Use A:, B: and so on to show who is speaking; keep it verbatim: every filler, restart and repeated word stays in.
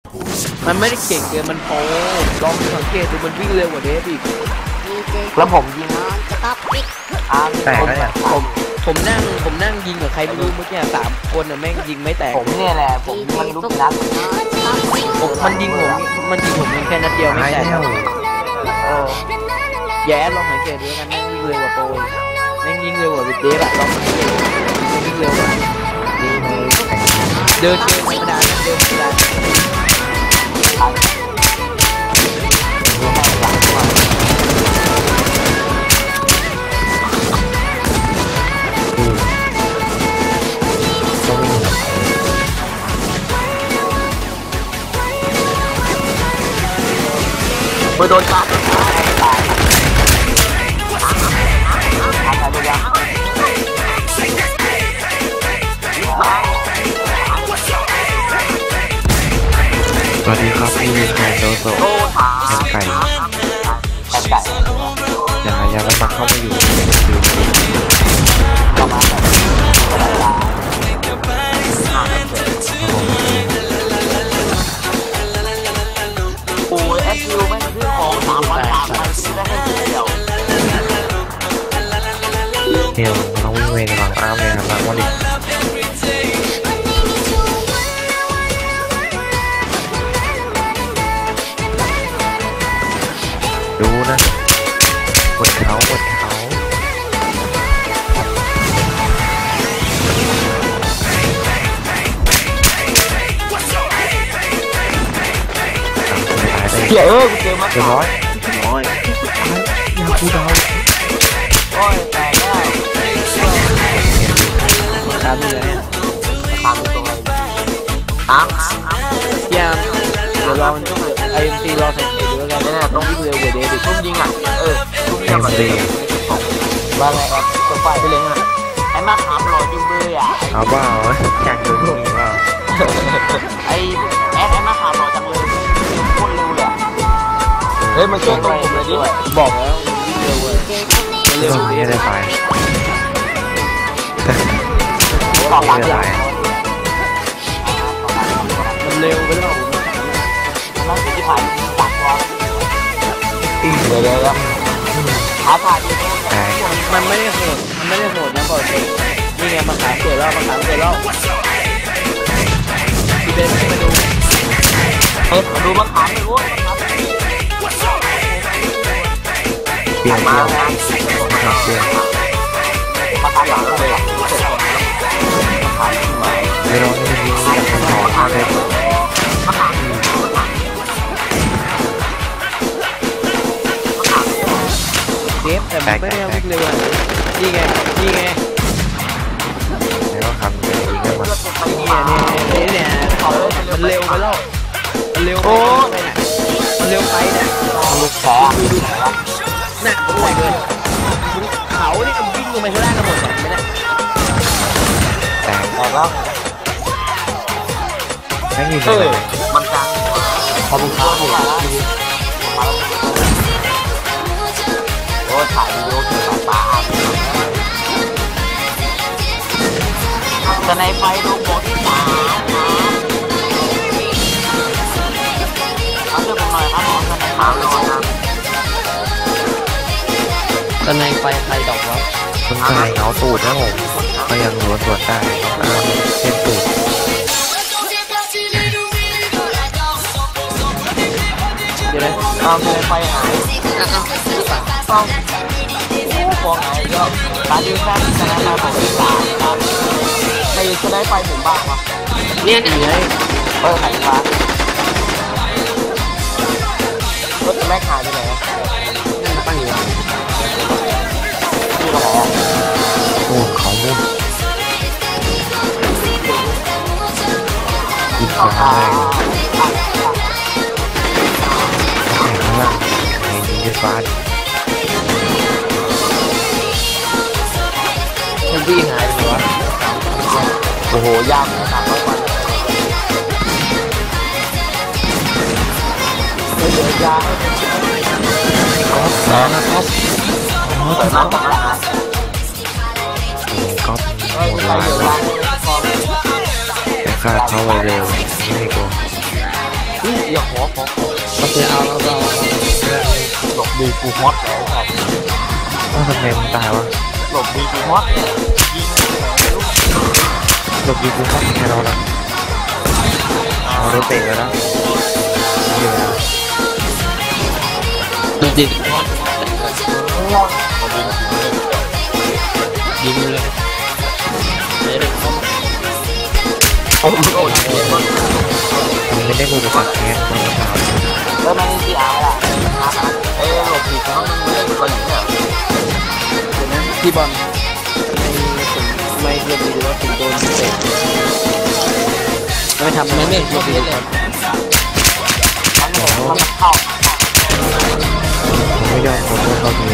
A: มันไม่ได้เก่งเกินมันโป้ลองสังเกตดูมันวิ่งเร็วกว่าเดฟอีก
B: แล้วผมยิง
C: แตกแล้วเนี่ย
A: ผมผมนั่งผมนั่งยิงกับใครไม่รู้เมื่อกี้สามคนน่ะแม่งยิงไม่แตก
B: ผมเนี่ยแหละผมมันลูกนัด
A: ผมมันยิงผมมันยิงผมแค่นัดเดียวไม่แตก
B: เออ
A: แย่ลองสังเกตดูกันแม่งวิ่งเร็วกว่าโป้แม่งยิงเร็วกว่าเดฟอะลองสังเกตวิ่งเร็วกว่าเดินเกมธรรมดาเดินธรรมดา
B: ไปโดนจับ
C: สวัสดีครับพี่แคนโดโซแคนไก่
B: แคนไก่
C: อย่าอย่ามันมาเข้ามาอยู่ดู
B: ประมาณแบบโอ้ยแอคคิวไม่ซื้อของสามวันสามวันซื้อได้แค่เดียว
C: เดี๋ยวต้องวิ่งเวรหลังอ้ามเลยครับหลังวันนี้ดูนะบนเขาบนเขา
B: เดี๋ยวเออเจอมา
C: เรียบร้อย
A: น้อย
C: ยาคูดาว
B: โอ้ยแตกแล้ว
A: ตามนี่เลย
B: ตามตรงไหนตามตามตาม
A: ยามเดี๋ยวรอมันต้องไอเอ็มซีรอสังเกตดูแล้วกันนะต้องวิ่งเร็วกว่าเดฟ
B: ทุ่มยิงอ่ะเออทุ่มยิงแบบนี้ว่าไงครับตัวไฟไปเลยอ่ะไอ้มาขามหล่อจุ่มเลยอ่ะ
C: เอาบ้าเหรออยากดูตรงนี้ว่า
B: ไอ้แอดไอ้มาขามหล่อจังเลยโคตรเร็วเลยเฮ้ยมาช่วยตัวผมเลยดิ
A: บอกแล้ววิ่งเร็วเลย
C: เร็วนี้ได้ไป
B: ต่อไปเลย
A: มันเร็วไปแล้ว
B: มันจะผ่านตัดวอลอีกเลยแล้วขาผ่าน
A: มันไม่ได้โหดมันไม่ได้โหดนะก่อนเลยนี่ไงมาขามเกิดแล้วมาขามเกิดแล้วพี่เบนมาดู
B: เฮ้ยมาดูมาขามเลยโว้ย
C: เปลี่ยนมาแล้วเปลี่ยน
B: มาขามหลังเลย
C: ไม่ร้องไม่ยิงกับขอทางเลย
A: เดฟแต่ไม่ได้วิ่งเร็วอ่ะนี่ไงนี่ไง
C: แล้วก็ทำเลยอีกแล้ว
A: มันเนี่ยเนี่ยเนี่ยมันเร็วไปแล้วมันเร็วไปเนี่ยมันเร็วไปเนี่ย
B: ลูกแฉ
A: น่ะผมบอกเลยเขาเนี่ยวิ่งลงไปข้างล่างกันหมดเลยไม่ได้
C: แต่
B: แต่แล้ว
C: ไม่มีเลย
B: มันกลางพอมันกลางอยู่โอ้ถ่ายวิดีโอถึงสายตาแต่ในไฟดูโบที่สามเอาเรื่องผมหน่อยครับผมในขาวลอยนะ
A: แต่ในไฟใครดอกวะ
C: คุณชายเงาตูดนะผมก็ยังล้วนส่วนได้เส้นตูด
A: เดี๋ยวนะ
B: ตามในไฟหายต้องฟองหายก็ตาดีแค่ชนะมาผมที่สามครับใครจะได้ไฟผมบ้างวะ
A: เนี่ยเนี่ย
B: เออหายฟ้ารถแม่ขายไปไหน
A: นั่นตั้งอยู่
B: ที่อะไรอ่ะ
C: โอ้เขามุ่งอีกครั้งเลยข้างล่างไอ้ยิงด้วยฟ้า
A: มันวิ่งหายไปวะ
B: โอ้โหยากนะสามร้อยวันไม่เหลือยา
C: ก๊อฟนะก๊อฟ
B: เปิดน้ำตา
C: ก๊อฟหมดลายแต่ฆ่าเขาไวเร็วไม่กลัว
B: อย่าขอขอ
A: โอเคเอาเอาเอา
B: หลบดีกูฮอตแล้วครับ
C: เอ้าทำไมมึงตายวะ
B: หลบดีกูฮอตยิง
C: หลบยิงกูเข้าแค่เราละเอารถเตะแล้วนะอยู่แล้ว
A: ดูดิ
B: ง่อนยิง
A: ยิงเลยไม่ได้เข้ามา
B: โอ้โหเจ็บมาก
C: มึงไม่ได้มือประสาทแค่ตอนเช้า
B: แล้วมันที่เอาล่ะเอ้ยหลบดีกูฮอตมันเล่นอะไรอยู่เนี่ย
A: เดี๋ยวนะพี่บอลไม่ถึงไม่เรียนดีหรือว่าถึงโดนเตะไม่ทำไม่ไม่เข้าเพชรเลย
B: มันมันเข้า
C: ผมไม่ยอมขอโทษเขาที